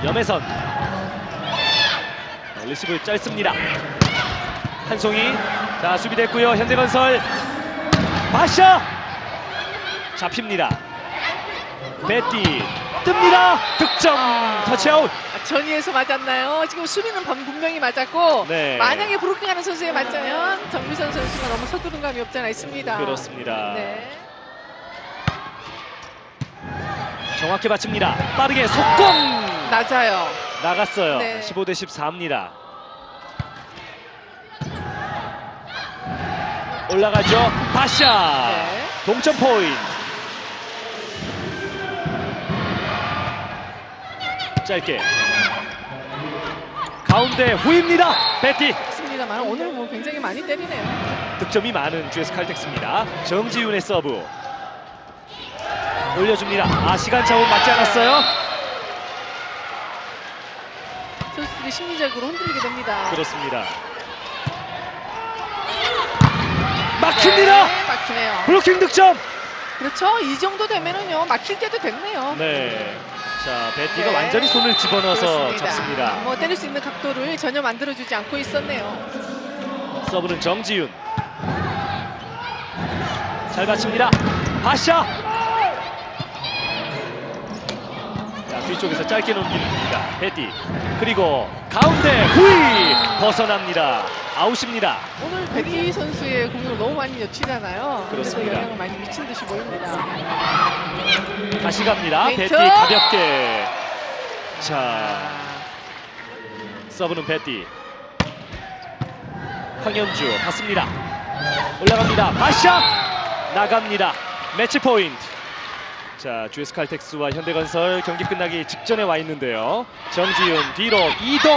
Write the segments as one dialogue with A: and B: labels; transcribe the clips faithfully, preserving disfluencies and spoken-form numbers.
A: 염혜선. 리시브 짧습니다. 한송이. 자, 수비됐고요. 현대건설 바샤 잡힙니다. 베티 뜹니다. 득점. 터치아웃.
B: 아, 전위에서 맞았나요? 지금 수비는 방- 분명히 맞았고
A: 네.
B: 만약에 브로킹하는 선수에 맞자면 정미선 선수가 너무 서두른 감이 없지 않아 있습니다.
A: 그렇습니다.
B: 네.
A: 정확히 받칩니다. 빠르게 속공.
B: 낮아요.
A: 나갔어요.
B: 네.
A: 십오 대 십사입니다. 올라가죠. 바샤.
B: 네.
A: 동점 포인트. 짧게. 가운데 후입니다. 베티.
B: 맞습니다만 오늘 뭐 굉장히 많이 때리네요.
A: 득점이 많은 지에스 칼텍스입니다. 정지윤의 서브. 올려줍니다. 아, 시간 차원 맞지 않았어요?
B: 선수들이 심리적으로 흔들리게 됩니다.
A: 그렇습니다. 막힙니다.
B: 네, 막히네요.
A: 블로킹 득점.
B: 그렇죠. 이 정도 되면은요 막힐 때도 됐네요.
A: 네. 자, 베티가
B: 네.
A: 완전히 손을 집어넣어서
B: 그렇습니다.
A: 잡습니다.
B: 뭐 때릴 수 있는 각도를 전혀 만들어주지 않고 있었네요.
A: 서브는 정지윤. 잘 받칩니다. 바샤. 자, 뒤쪽에서 짧게 넘깁니다. 베티. 그리고 가운데 후이 벗어납니다. 아웃입니다.
B: 오늘 베티 선수의 공을 너무 많이 놓치잖아요. 그래서
A: 그렇습니다.
B: 영향을 많이 미친 듯이 보입니다.
A: 다시 갑니다.
B: 페인트.
A: 베티 가볍게. 자, 서브는 베티. 황현주 받습니다. 올라갑니다. 바샤 나갑니다. 매치 포인트. 자, 지에스 칼텍스와 현대건설 경기 끝나기 직전에 와 있는데요. 정지윤 뒤로 이동.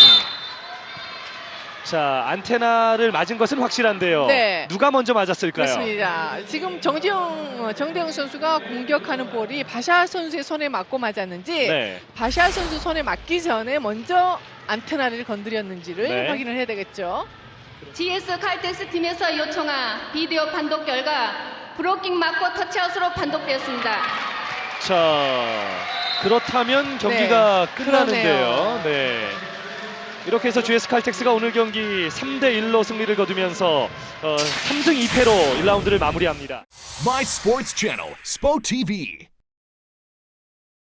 A: 자, 안테나를 맞은 것은 확실한데요.
B: 네.
A: 누가 먼저 맞았을까요?
B: 그렇습니다. 지금 정지영, 정대영 선수가 공격하는 볼이 바샤 선수의 손에 맞고 맞았는지
A: 네.
B: 바샤 선수 손에 맞기 전에 먼저 안테나를 건드렸는지를
A: 네.
B: 확인을 해야 되겠죠.
C: 지에스 칼텍스 팀에서 요청한 비디오 판독 결과 브로킹 맞고 터치아웃으로 판독되었습니다.
A: 자, 그렇다면 경기가
B: 네,
A: 끝나는데요. 네. 이렇게 해서 지에스 칼텍스가 오늘 경기 삼 대 일로 승리를 거두면서 어, 삼 승 이 패로 일 라운드를 마무리합니다.
D: My Sports Channel, SpoTV.